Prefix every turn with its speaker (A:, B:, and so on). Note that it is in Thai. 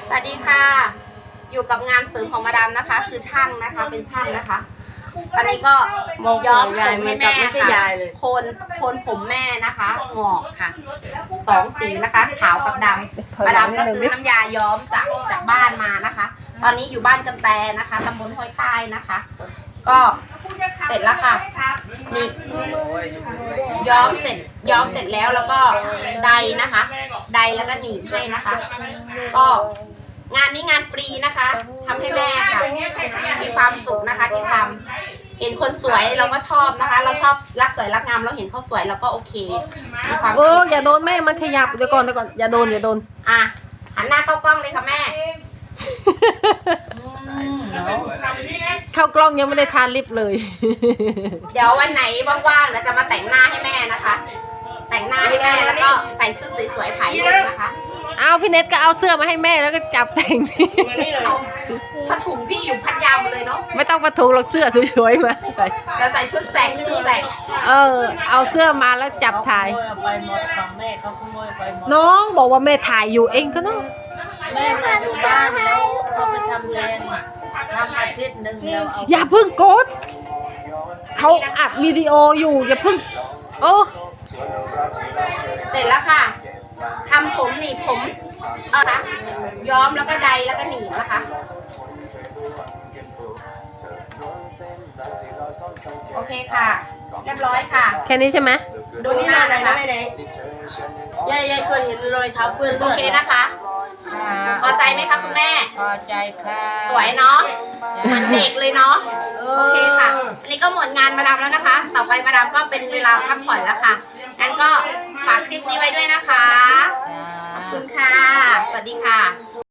A: สวัสดีค่ะอยู่กับงานเสริมของมาดามนะคะ คือช่างนะคะเป็นช่างนะคะอันนี้ก็ย้อมผมให้แม่ค่ะโคนผมแม่นะคะงอกค่ะ2 สีนะคะขาวกับดำมาดามก็ซื้อน้ำยาย้อมจากบ้านมานะคะ ตอนนี้อยู่บ้านกันแตนะคะตำบลห้วยใต้นะคะ ก็เสร็จแล้วค่ะนี่ย้อมเสร็จแล้วก็ไดนะคะไดแล้วก็หนีบให้นะคะ ก็งานนี้งานฟรีนะคะทำให้แม่ค่ะมีความสุขนะคะที่ทำเห็นคนสวยเราก็ชอบนะคะ เราชอบรักสวยรักงามเราเห็นเขาสวยเราก็โอเคมีความสุข
B: อย่าโดนแม่มันขยับเดี๋ยวก่อนอย่าโดน
A: อ่ะหันหน้าเข้ากล้องเลยค่ะแม่
B: เข้ากล้องยังไม่ได้ทานลิปเลย
A: เดี๋ยววันไหนว่างๆนะจะมาแต่งหน้าให้แม่นะคะ แต่งหน้าให้แม่แล้วก็ใส่ชุดสวยๆถ่ายรูปนะคะ
B: เอาพี่เน็ตก็เอาเสื้อมาให้แม่แล้วก็จับแต่ง
A: เอาผ้าถุงพี่อยู่พัทยาหมดเลยเนาะ
B: ไม่ต้องประทุงหรอกเสื้อสวยๆมาใส่
A: จะใส่ชุดแต่งชื่อแต่ง
B: เอาเสื้อมาแล้วจับถ่าย
C: ขโมยไปหมดของแม่เขาขโมยไปหมด
B: น้องบอกว่าแม่ถ่ายอยู่เองก็เนาะ
C: แม่มาอยู่บ้านแล้วเขาไปทำเรียนทำอาทิตย์หนึ่งแล้วเอา
B: อย่าเพิ่งกดเขาอัดวิดีโออยู่อย่าเพิ่ง
A: เสร็จแล้วค่ะทำผมหนีบผมนะคะย้อมแล้วก็ไดแล้วก็หนีบนะคะโอเคค่ะเรียบร้อยค่ะ
B: แค่นี้ใช่ไหม
A: ดูหน้านะคะ
C: ยายเคยเห็นรอยเท้าเปื้อน
A: โอ
C: เลือด
A: เคนะคะพอใจไหมคะคุณแม่
C: พอใจค่ะ
A: สวยเนาะเหมือนเด็กเลยเนาะโอเคค่ะ อันนี้ก็หมดงานมาดามแล้วนะคะ ต่อไปมาดามก็เป็นเวลาพักผ่อนแล้วค่ะงั้นก็ฝากคลิปนี้ไว้ด้วยนะคะขอบคุณค่ะสวัสดีค่ะ